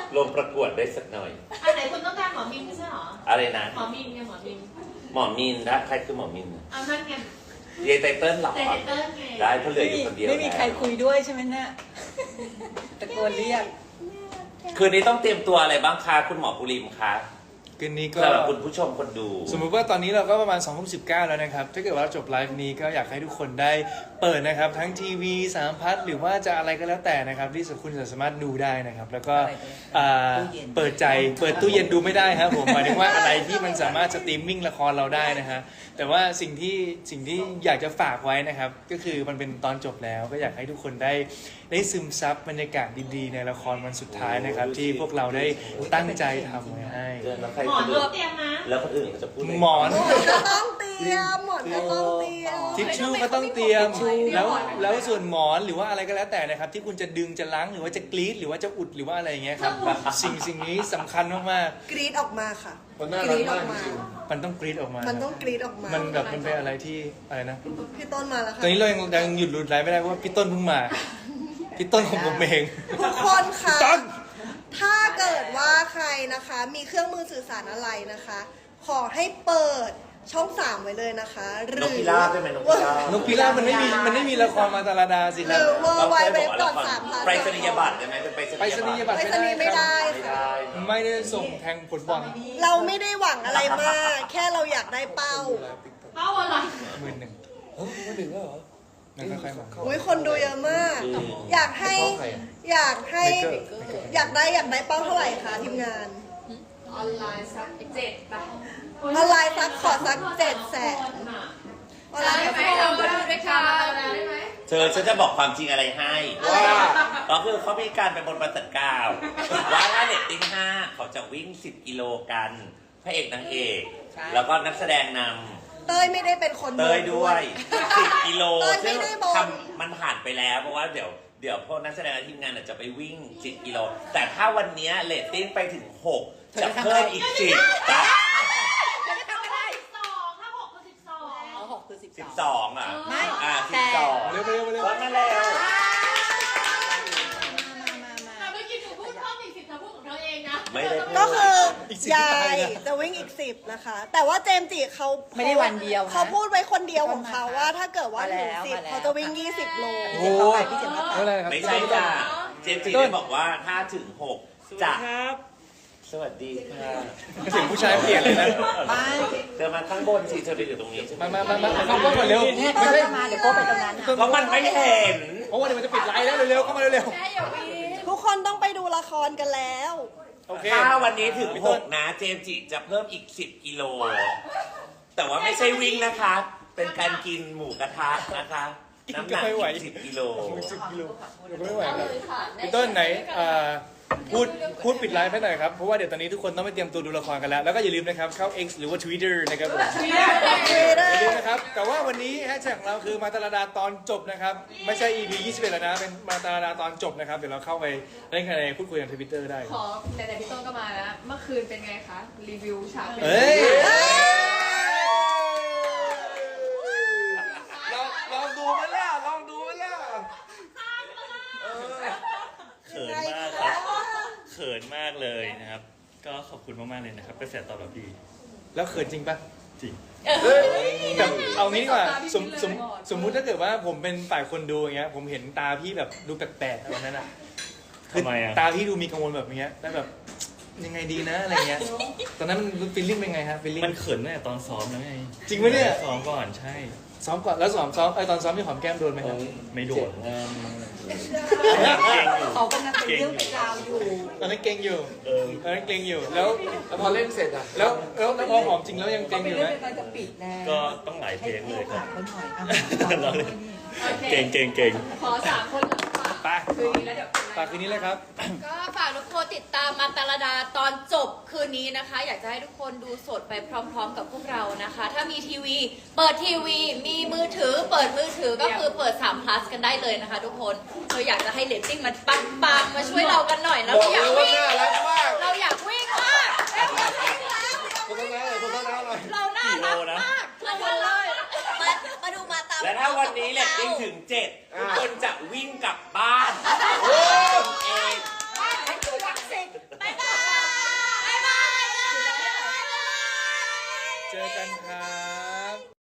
ลงประกวดได้สักหน่อยอันไหนคุณต้องการหมอมินไม่ใช่หรออะไรนะหมอมินไงหมอมินหมอมินนะใครคือหมอมินเอานั่นไงเยไตเติ้ลหรอไตเติ้ลไงได้เพราะเหลืออยู่คนเดียวไม่มีใครคุยด้วยใช่ไหมเนี่ยตะโกนเรียกคืนนี้ต้องเตรียมตัวอะไรบ้างคะคุณหมอปุริมคะคืนนี้ก็สำหรับคุณผู้ชมคนดูสมมุติว่าตอนนี้เราก็ประมาณ2019แล้วนะครับถ้าเกิดว่าจบไลฟ์นี้ก็อยากให้ทุกคนได้เปิดนะครับทั้งทีวี3พัทหรือว่าจะอะไรก็แล้วแต่นะครับที่คุณจะสามารถดูได้นะครับแล้วก็เปิดใจเปิดตู้เย็นดูไม่ได้ครับผมหมายถึงว่าอะไรที่มันสามารถสตรีมมิ่งละครเราได้นะฮะแต่ว่าสิ่งที่อยากจะฝากไว้นะครับก็คือมันเป็นตอนจบแล้วก็อยากให้ทุกคนได้ซึมซับบรรยากาศดีๆในละครวันสุดท้ายนะครับที่พวกเราได้ตั้งใจทำไว้ให้หมอนก็เตรียมนะแล้วคนอื่นเขาจะพูดหมอนก็ต้องเตรียมหมอนก็ต้องเตรียมทิชชู่ก็ต้องเตรียมแล้วส่วนหมอนหรือว่าอะไรก็แล้วแต่นะครับที่คุณจะดึงจะล้างหรือว่าจะกรีดหรือว่าจะอุดหรือว่าอะไรอย่างเงี้ยครับสิ่งนี้สำคัญมากๆกรีดออกมาค่ะกรีดออกมามันต้องกรีดออกมามันต้องกรีดออกมามันแบบมันเป็นอะไรที่อะไรนะพี่ต้นมาแล้วค่ะตอนนี้เรายังหยุดหลุดไลฟ์ไม่ได้เพราะว่าพี่ต้นเพิ่งมาพี่ต้นของผมเองทุกคนค่ะถ้าเกิดว่าใครนะคะมีเครื่องมือสื่อสารอะไรนะคะขอให้เปิดช่อง3ไว้เลยนะคะหรือนกพิราบได้ไหมนกพิราบนกพิราบมันไม่มีละครมาตาลาดาสิครับหรือว่าไว้เว็บก่อน3 ไปรษณียบัตรได้ไหมเป็นไปรษณียบัตรไม่ได้ค่ะไม่ได้ส่งแทงผลบอลเราไม่ได้หวังอะไรมากแค่เราอยากได้เป้าอะไร 11,00011,000แล้วเหรอนั่นค่อยๆมาอุ้ยคนดูเยอะมากอยากได้เป้าเท่าไหร่คะทีมงานออนไลน์สัก7ป่ะออนไลน์สักขอสัก700,000 ออนไลน์ได้ไหมเราก็ได้ด้วยค่ะได้ไหมฉันจะบอกความจริงอะไรให้ว่าก็คือเขามีการไปบนประจัดกล่าวว่าถ้าเรตติ้ง5เขาจะวิ่ง10กิโลกันพระเอกนางเอกแล้วก็นักแสดงนำเต้ยไม่ได้เป็นคนเต้ยด้วย10กิโลซึ่งทำมันผ่านไปแล้วเพราะว่าเดี๋ยวพวกนักแสดงและทีมงานจะไปวิ่ง10กิโลแต่ถ้าวันนี้เรตติ้งไปถึง6จะเพิ่มอีก10จ้ะ12อ่ะไม่ 12 เร็วก็นั่นแล้วแต่เมื่อกี้หนูพูดเพิ่มอีก10ถ้าพูดของเธอเองนะไม่ได้ก็คือยายจะวิ่งอีก10นะคะแต่ว่าเจมส์จิเขาไม่ได้วันเดียวเขาพูดไว้คนเดียวของเขาว่าถ้าเกิดว่าถึง10เขาจะวิ่ง20โลโอ้ไม่ใช่จ้ะเจมส์จิได้บอกว่าถ้าถึง6จะสวัสดีค่ะเสียงผู้ชายเปลี่ยนเลยนะเธอมาข้างบนสิเธอไปอยู่ตรงนี้ใช่ไหมมาเข้ามาก่อนเร็วไม่ใช่มาเดี๋ยวโก้ไปตรงนั้นเพราะมันไม่เห็นเพราะว่าเดี๋ยวมันจะปิดไลฟ์แล้วเร็วเข้ามาเร็วทุกคนต้องไปดูละครกันแล้วถ้าวันนี้ถึง6นะเจมส์จิจะเพิ่มอีก10กิโลแต่ว่าไม่ใช่วิ่งนะคะเป็นการกินหมูกระทะนะคะน้ำหนัก10กิโล 10กิโลไม่ไหวแล้วพี่ต้นไหนพูดปิดไลฟ์ให้หน่อยครับเพราะว่าเดี๋ยวตอนนี้ทุกคนต้องไปเตรียมตัวดูละครกันแล้วแล้วก็อย่าลืมนะครับเข้า X หรือว่า Twitter นะครับผมอย่าลืมนะครับแต่ว่าวันนี้แฮชแท็กของเราคือมาตาลาดาตอนจบนะครับไม่ใช่ EP 21แล้วนะเป็นมาตาลาดาตอนจบนะครับเดี๋ยวเราเข้าไปเล่นกันในพูดคุยกัน Twitter ได้ขอแต่พี่ต้นก็มาแล้วเมื่อคืนเป็นไงคะรีวิวฉากเป็นลองดูมาแล้วเขินมากเลยนะครับก็ขอบคุณมากๆเลยนะครับกระแสตอบรับดีแล้วเขินจริงปะจริงแต่เอางี้ดีกว่าสมมุติถ้าเกิดว่าผมเป็นฝ่ายคนดูอย่างเงี้ยผมเห็นตาพี่แบบดูแปลกๆวันนั้นอะทำไมอะตาพี่ดูมีกังวลแบบเนี้ยแล้วแบบยังไงดีนะอะไรเงี้ยตอนนั้นมันฟีลลิ่งเป็นไงฮะฟีลลิ่งมันเขินตั้งแต่ตอนซ้อมแล้วไงจริงไหมเนี่ยซ้อมก่อนใช่ซ้อมก่อนแล้วตอนซ้อมที่หอมแก้มโดนไหมครับไม่โดนเขากำลังเป็นเรื่องเป็นราวอยู่ตอนนั้นเก่งอยู่แล้วพอเล่นเสร็จอะแล้วพอหอมจริงแล้วยังเก่งอยู่ไหมก็ต้องหลายเพลงเลยครับเก่งขอ3คนไปคืนนี้เลยครับก็ฝากทุกคนติดตามมาตาลดาตอนจบคืนนี้นะคะอยากจะให้ทุกคนดูสดไปพร้อมๆกับพวกเรานะคะถ้ามีทีวีเปิดทีวีมีมือถือเปิดมือถือก็คือเปิด3 plus กันได้เลยนะคะทุกคนเราอยากจะให้เรตติ้งมันปังมาช่วยเรากันหน่อยนะเราอยากวิ่งมากเราน่ารักมากมาดูมาตามและถ้าวันนี้เรตติ้งถึง7ทุกคนจะวิ่งกลับบ้านเองให้ดูรักสิเจอกันครับ